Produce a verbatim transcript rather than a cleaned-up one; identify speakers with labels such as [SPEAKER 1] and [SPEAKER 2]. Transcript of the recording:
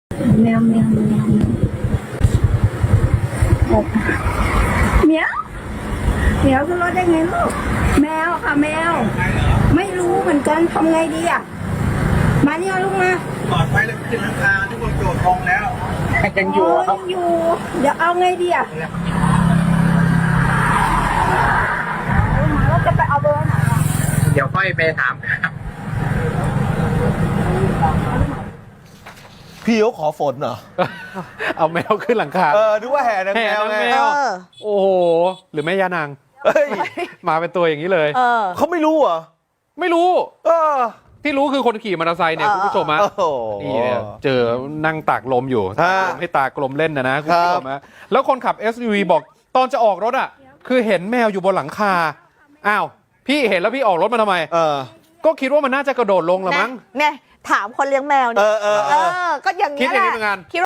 [SPEAKER 1] แมวแมวแมวแมวแมวขึ้นรถได้ไงลูกแมวค่ะแมวไม่รู้เหมือนกันทำไงดีอ่ะมาเนี่ยลูกมา
[SPEAKER 2] ปลอดภัยแล้วขึ้นราคาทุกคนโดดทองแล้ว
[SPEAKER 3] ยังอยู่
[SPEAKER 1] โอ้
[SPEAKER 3] ครับ
[SPEAKER 1] ยังอยู่เดี๋ยวเอาไงดีอ่ะมาแล้วจะไปเอาเบอร์ไหนอ่ะ
[SPEAKER 3] เดี๋ยวค่อยไปถาม
[SPEAKER 4] พี่เขาขอฝนเหรอ
[SPEAKER 5] เอาแมวขึ้นหลังคา
[SPEAKER 4] เออนึกว่าแห่นาง
[SPEAKER 5] แห่
[SPEAKER 4] แมวน
[SPEAKER 5] าง
[SPEAKER 4] ไง
[SPEAKER 5] แมว โอ้โห หรือแม่ย่านาง
[SPEAKER 4] เฮ้ย
[SPEAKER 5] มาเป็นตัวอย่างนี้เลย
[SPEAKER 6] เออ
[SPEAKER 4] เขาไม่รู้เหรอ
[SPEAKER 5] ไม่รู้
[SPEAKER 4] เออ
[SPEAKER 5] ที่รู้คือคนขี่มอเตอร์ไซค์เนี่ย
[SPEAKER 6] เออ
[SPEAKER 5] คุณผู้ชมฮะ
[SPEAKER 4] โอ้โห
[SPEAKER 5] นี่เนี่ยเจอนั่งตากลมอยู่
[SPEAKER 4] ฮะ
[SPEAKER 5] ตากลมให้ตากลมเล่นนะนะคุณผู้ชม
[SPEAKER 4] ครั
[SPEAKER 5] ฮะ
[SPEAKER 4] บ
[SPEAKER 5] แล้วคนขับ เอส ยู วี บอกตอนจะออกรถอ่ะ คือเห็นแมวอยู่บนหลังคา อ้าว พี่เห็นแล้วพี่ออกรถมาทำไม
[SPEAKER 4] เออ
[SPEAKER 5] ก็คิดว่ามันน่าจะกระโดดลงละมั้ง
[SPEAKER 6] เนี่ยถามคนเลี้ยงแมว
[SPEAKER 4] เอ
[SPEAKER 6] เนี่ย
[SPEAKER 4] อเออ
[SPEAKER 6] เอ
[SPEAKER 4] เออ
[SPEAKER 6] อ ก็อย่าง
[SPEAKER 5] คิด
[SPEAKER 6] เงี้ย
[SPEAKER 5] อย่าง
[SPEAKER 6] แห
[SPEAKER 5] นี้
[SPEAKER 6] ละ
[SPEAKER 5] เหมือนกัน